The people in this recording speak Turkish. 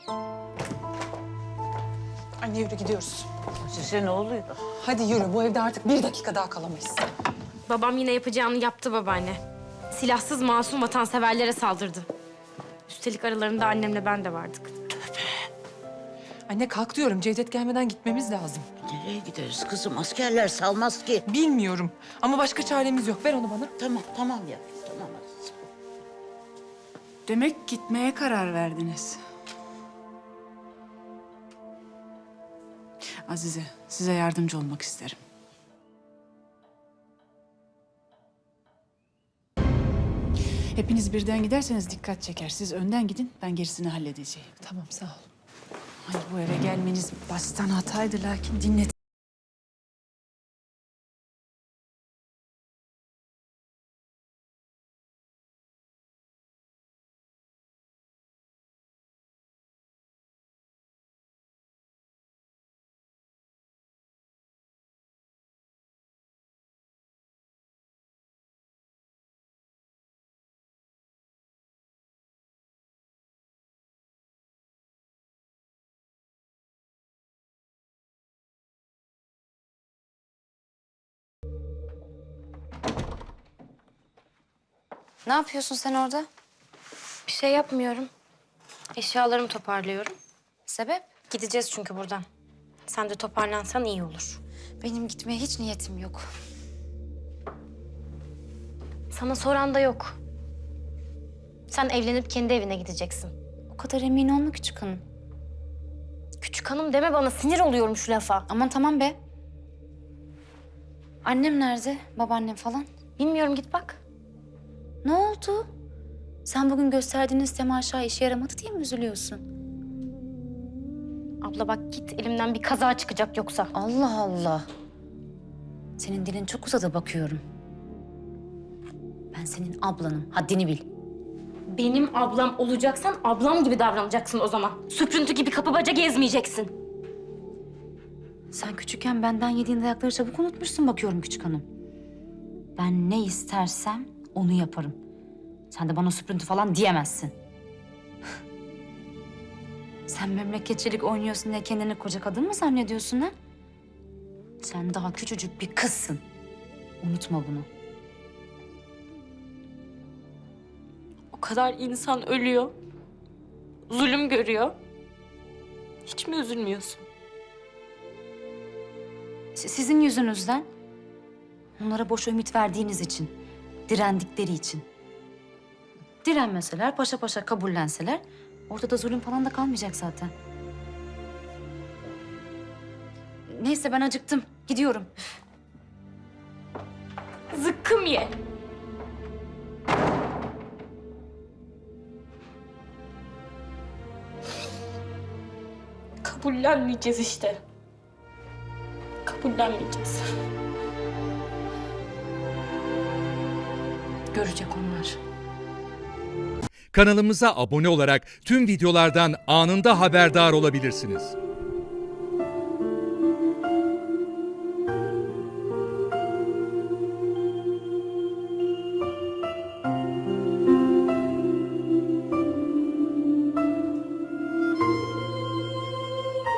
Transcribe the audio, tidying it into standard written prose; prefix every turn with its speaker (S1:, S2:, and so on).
S1: Anne yürü gidiyoruz.
S2: Size ne oluyor?
S1: Hadi yürü, bu evde artık bir dakika daha kalamayız.
S3: Babam yine yapacağını yaptı babaanne. Silahsız masum vatanseverlere saldırdı. Üstelik aralarında annemle ben de vardık.
S1: Anne kalk diyorum, Cevdet gelmeden gitmemiz lazım.
S2: Nereye gideriz kızım? Askerler salmaz ki.
S1: Bilmiyorum ama başka çaremiz yok. Ver onu bana.
S2: Tamam ya. Tamam Aziz.
S4: Demek gitmeye karar verdiniz. Azize, size yardımcı olmak isterim. Hepiniz birden giderseniz dikkat çeker. Siz önden gidin, ben gerisini halledeceğim.
S1: Tamam, sağ ol.
S4: Ay bu eve gelmeniz baştan hataydı lakin dinlet.
S5: Ne yapıyorsun sen orada?
S3: Bir şey yapmıyorum. Eşyalarımı toparlıyorum.
S5: Sebep?
S3: Gideceğiz çünkü buradan. Sen de toparlansan iyi olur.
S5: Benim gitmeye hiç niyetim yok.
S3: Sana soran da yok. Sen evlenip kendi evine gideceksin.
S5: O kadar emin olma küçük hanım.
S3: Küçük hanım deme bana, sinir oluyorum şu lafa.
S5: Aman tamam be. Annem nerede? Babaannem falan?
S3: Bilmiyorum, git bak.
S5: Ne oldu? Sen bugün gösterdiğiniz temaşa işe yaramadı diye mi üzülüyorsun?
S3: Abla bak git, elimden bir kaza çıkacak yoksa.
S5: Allah Allah. Senin dilin çok uzadı bakıyorum. Ben senin ablanım. Haddini bil.
S3: Benim ablam olacaksan ablam gibi davranacaksın o zaman. Süprüntü gibi kapı baca gezmeyeceksin.
S5: Sen küçükken benden yediğin dayakları çabuk unutmuşsun bakıyorum küçük hanım. Ben ne istersem onu yaparım. Sen de bana süprüntü falan diyemezsin. Sen memleketçilik oynuyorsun diye kendini koca kadın mı zannediyorsun ha? Sen daha küçücük bir kızsın. Unutma bunu.
S3: O kadar insan ölüyor. Zulüm görüyor. Hiç mi üzülmüyorsun?
S5: Sizin yüzünüzden. Onlara boş ümit verdiğiniz için. Direndikleri için. Direnmeseler, paşa paşa kabullenseler... ortada zulüm falan da kalmayacak zaten. Neyse ben acıktım. Gidiyorum.
S3: Zıkkım ye. Kabullenmeyeceğiz işte. Kabullenmeyeceğiz.
S5: Görecek onlar.
S6: Kanalımıza abone olarak tüm videolardan anında haberdar olabilirsiniz.